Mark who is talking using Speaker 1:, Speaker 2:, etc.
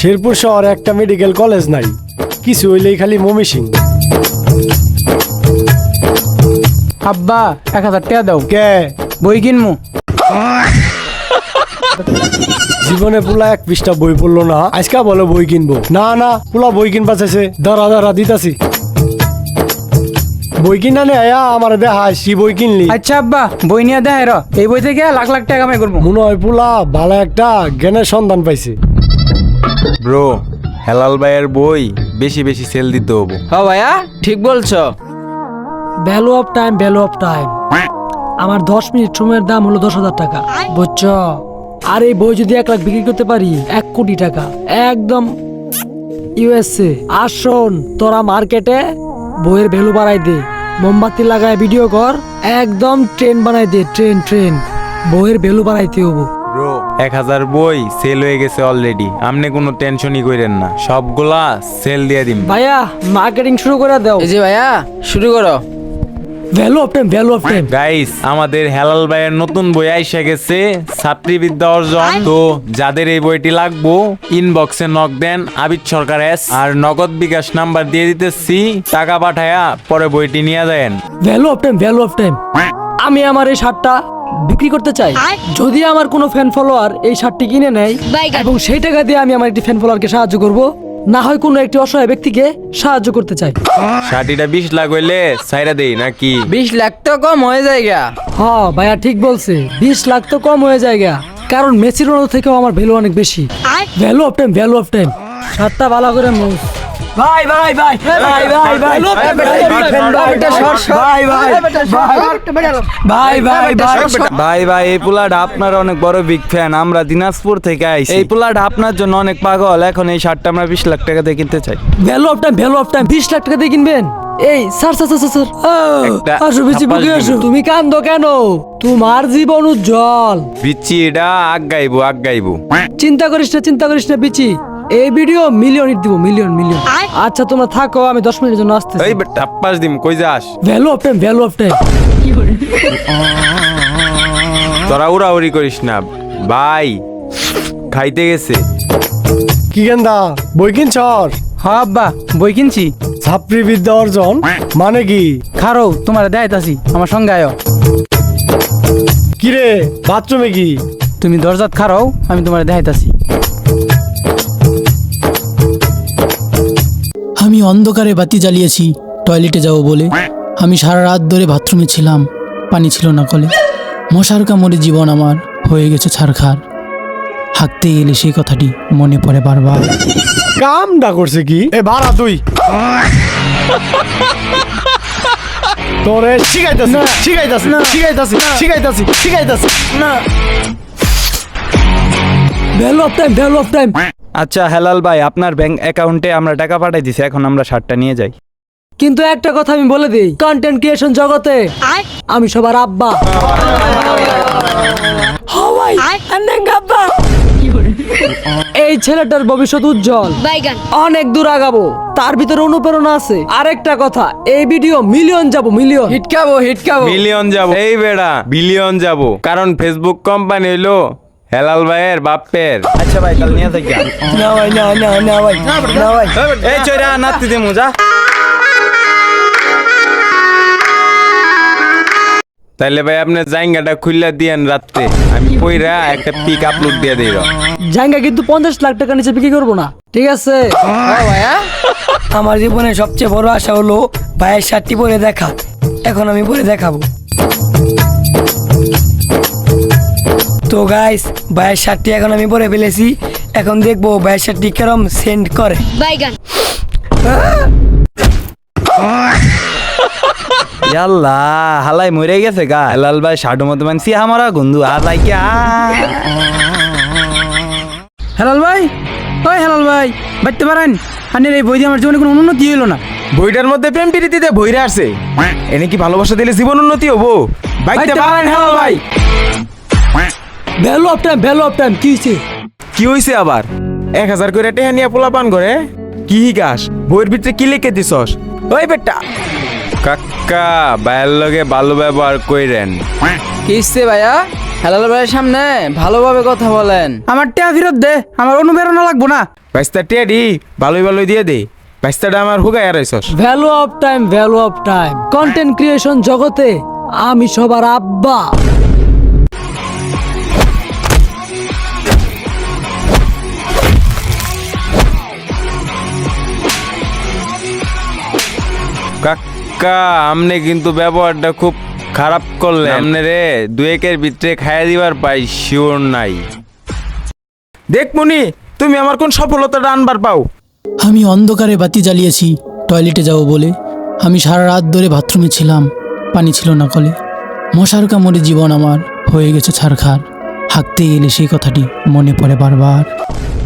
Speaker 1: শেরপুর শহরে একটা medical college নাই, কিছু হইলেই খালি মমিসিং।
Speaker 2: আব্বা 1000 টাকা দাও,
Speaker 1: কে
Speaker 2: বই কিনমু।
Speaker 1: জীবনে পুলা এক পৃষ্ঠা বই পড়লো না, আজকা বলে বই কিনবো। না না, পুলা বই কিনবা চাইছে, দাঁড়া দাঁড়া দিতাছি। বই কিনা নে আয়া আমার দেখা সি বই কিনলি।
Speaker 2: আচ্ছা আব্বা, বই নিয়ে দেয় র, এই বই থেকে লাখ লাখ টাকা কামাই করবো।
Speaker 1: মনে হয় পুলা ভালো একটা জ্ঞানের সন্ধান পাইছে।
Speaker 3: ব্রো, হেলাল ভাইয়ের বই বেশি বেশি সেল দিতে হবো।
Speaker 4: হ্যাঁ ভাইয়া, ঠিক বলছো।
Speaker 5: Value of time, value of time. আমার 10 মিনিট সময়ের দাম হলো 10,000 টাকা, বুঝছো? আর এই বই যদি 1 লাখ বিক্রি করতে পারি, 1 কোটি টাকা একদম ইউএসএ। আর শোন, তোরা মার্কেটে বইয়ের ভ্যালু বাড়াই দে, মোমবাতি লাগায় ভিডিও কর, একদম ট্রেন বানাই দে, ট্রেন ট্রেন। বইয়ের ভ্যালু বাড়াইতে হবো।
Speaker 3: ব্রো, 1000 বই সেল হয়ে গেছে অলরেডি, আপনি কোনো টেনশনই করেন না, সবগুলা সেল দিয়ে দিন।
Speaker 5: ভাইয়া মার্কেটিং শুরু করে দাও।
Speaker 4: এই যে ভাইয়া, শুরু করো।
Speaker 5: Value of time, value of time.
Speaker 3: Guys, আমাদের হেলাল ভাইয়ের নতুন বই আইসা গেছে, ছাত্রীবিদ্যা অর্জন। তো যাদের এই বইটি লাগবো, ইনবক্সে নক দেন আবিদ সরকার এস, আর নগদ বিকাশ নাম্বার দিয়ে দিতেছি, টাকা পাঠায়া পরে বইটি নিয়ে যায়েন।
Speaker 5: Value of time, value of time. আমি আমার এই শার্টটা বিক্রি করতে চাই। যদি আমার কোনো ফ্যান ফলোয়ার এই শার্টটি কিনে নেয় এবং সেই টাকা দিয়ে আমি আমার একটি ফ্যান ফলোয়ারকে সাহায্য করব, না হয় কোনো একটি অসহায় ব্যক্তিকে সাহায্য করতে চাই।
Speaker 3: শাটিটা 20 লাখ হইলে সাইরা দেই নাকি?
Speaker 4: 20 লাখ তো কম হয়ে যায় গা।
Speaker 5: হ্যাঁ ভাইয়া ঠিক বলছে, 20 লাখ তো কম হয়ে যায় গা, কারণ মেসি রোনালদো থেকেও আমার ভ্যালু অনেক বেশি। Value of time, value of time. শার্টটা ভালো করে মুভ। ভাই ভাই ভাই ভাই ভাই ভাই ভাই
Speaker 3: ভাই ভাই, এই পোলাটা আপনার অনেক বড় বিগ ফ্যান, আমরা দিনাজপুর থেকে আইছি। এই পোলাটা আপনার জন্য অনেক পাগল, এখন এই শার্টটা আমরা 20 লাখ টাকা দিয়ে কিনতে চাই।
Speaker 5: Value of time, value of time. 20 lakh টাকা দিয়ে কিনবেন? এই স্যার স্যার স্যার স্যার,
Speaker 3: একটা
Speaker 5: আসো বেশি
Speaker 3: থাপ্পড়
Speaker 5: বুকে আসো।
Speaker 3: দিবো।
Speaker 5: তুমি কান্দো কেন? তোমার জীবন উজ্জ্বল।
Speaker 3: বিচ্ছি এটা আগাইবো আগাইবো।
Speaker 5: চিন্তা করিস না, চিন্তা করিস না বিচি, এই ভিডিও মিলিয়ন হিট দিব, মিলিয়ন মিলিয়ন। আচ্ছা তোমরা থাকো, আমি 10 মিনিটের জন্য আসতেছি।
Speaker 3: এই বেটা টাপ্পাস দিম, কই যাস?
Speaker 5: Value of time, value of time.
Speaker 3: তোরা উড়াউড়ি করিস না ভাই, খাইতে গেছে।
Speaker 1: কি গেন্দা বই কিনছর?
Speaker 2: হ্যাঁ আব্বা, বই কিনছি।
Speaker 1: ছাত্রীবিদ্যা অর্জন মানে কি?
Speaker 2: খারো, তোমার দেখাইতাছি, আমার সঙ্গে আয়ো।
Speaker 1: কিরে বাথরুমে কি?
Speaker 2: তুমি দরজাত খারাও, আমি তোমার দেখাইতাছি।
Speaker 6: আমি অন্ধকারে বাতি জ্বালিয়েছি টয়লেটে যাব বলে। আমি সারা রাত ধরে বাথরুমে ছিলাম, পানি ছিল না কলে। মশার কামড়ে জীবন আমার হয়ে গেছে ছারখার। হাঁকতে গেলে সেই কথাটি মনে পড়ে বারবার।
Speaker 1: কামটা করছে কি? এ ভাড়া তুই তোরে শিখাইতাছি শিখাইতাছি শিখাইতাছি শিখাইতাছি শিখাইতাছি।
Speaker 5: Value of time, value of time.
Speaker 3: আচ্ছা হেলাল ভাই, আপনার ব্যাংক অ্যাকাউন্টে আমরা টাকা পাঠাই দিছি, এখন আমরা শার্টটা নিয়ে যাই।
Speaker 5: কিন্তু একটা কথা আমি বলে দিই, কন্টেন্ট ক্রিয়েশন জগতে আমি সবার আব্বা। হাওয়াই আব্বা। এই ছেলেটার ভবিষ্যৎ উজ্জ্বল, অনেক দূর আগাবো, তার ভিতরে অনুপ্রেরণা আছে। আরেকটা কথা, এই ভিডিও মিলিয়ন যাব, মিলিয়ন
Speaker 4: হিটকাবো হিটকাবো।
Speaker 3: মিলিয়ন যাব, এই বেড়া বিলিয়ন যাব, কারণ ফেসবুক কোম্পানি হইলো হেলাল ভাইয়ের বাপের। আচ্ছা ভাই, কাল নিয়ে থাকি।
Speaker 5: না ভাই, না না না ভাই, না ভাই।
Speaker 3: এই চইরা নাতি দে মুজা। তাইলে ভাই আপনি জায়গাটা খুললা দিয়েন রাতে, আমি কইরা একটা পিক আপলোড দিয়ে দেই।
Speaker 5: জায়গা কিন্তু 50 লাখ টাকা নিচে বিক্রি করবো না, ঠিক আছে?
Speaker 4: হ্যাঁ ভাইয়া,
Speaker 5: আমার জীবনে সবচেয়ে বড় আশা হলো ভাইয়ের শার্টটি পরে দেখা। এখন আমি পরে দেখাবো। তো গাইস, ভাইয়ের শার্টটি এখন আমি পরে ফেলেছি। এখন দেখবো ভাইয়ের শার্টটি কেরম সেন্ড করে।
Speaker 3: ইয়াল্লা, হালাই মরে গেছে গা। হেলাল ভাই শার্টের মধ্যে মানছি আমারা গন্ধু হালাই কি।
Speaker 2: হেলাল ভাই, ওই হেলাল ভাই, বাড়তে পারেন? আনের এই বই দিয়ে আমার জীবনে কোনো উন্নতি হইলো না।
Speaker 7: বইটার মধ্যে প্রেম প্রীতিতে ভইরা আছে, এনে কি ভালোবাসা দিলে জীবন উন্নতি হবো? বাইতে পারেন হেলাল ভাই।
Speaker 5: Value of time, value of time. কি হয়েছে?
Speaker 7: কি হইছে আবার? 1000 করে টেহা নিয়ে পোলা পান করে কি হিগাস? বইয়ের ভিতরে কি লিখে দিছস? ওই বেটা
Speaker 3: কাকা ভাইয়ের লগে ভালো ব্যবহার কইরেন।
Speaker 4: কিসছে ভাইয়া? হেলাল ভাইয়ের সামনে ভালোভাবে কথা বলেন।
Speaker 2: আমার টিয়া ফেরত দে, আমার অনুপ্রেরণা লাগবো না।
Speaker 7: বাইস্তা টেডি ভালোই ভালোই দিয়ে দে। বাইস্তাটা আমার হুগাই আড়াইছস।
Speaker 5: Value of time, value of time. Content creation জগতে আমি সবার আব্বা।
Speaker 3: কাকা আমনে কিন্তু ব্যবহারটা খুব খারাপ করলেন। আমনে রে 2-1-এর ভিতরে খাইয়া দিবার পাই শিওর নাই।
Speaker 7: দেখ মনি, তুমি আমার কোন সফলতাটা আনবার পাও।
Speaker 6: আমি অন্ধকারে বাতি জ্বালিয়েছি টয়লেটে যাব বলে। আমি সারা রাত ধরে বাথরুমে ছিলাম, পানি ছিল না কলে। মশার কামড়ে জীবন আমার হয়ে গেছে ছারখার। হাঁকতে গেলে সেই কথাটি মনে পড়ে বারবার।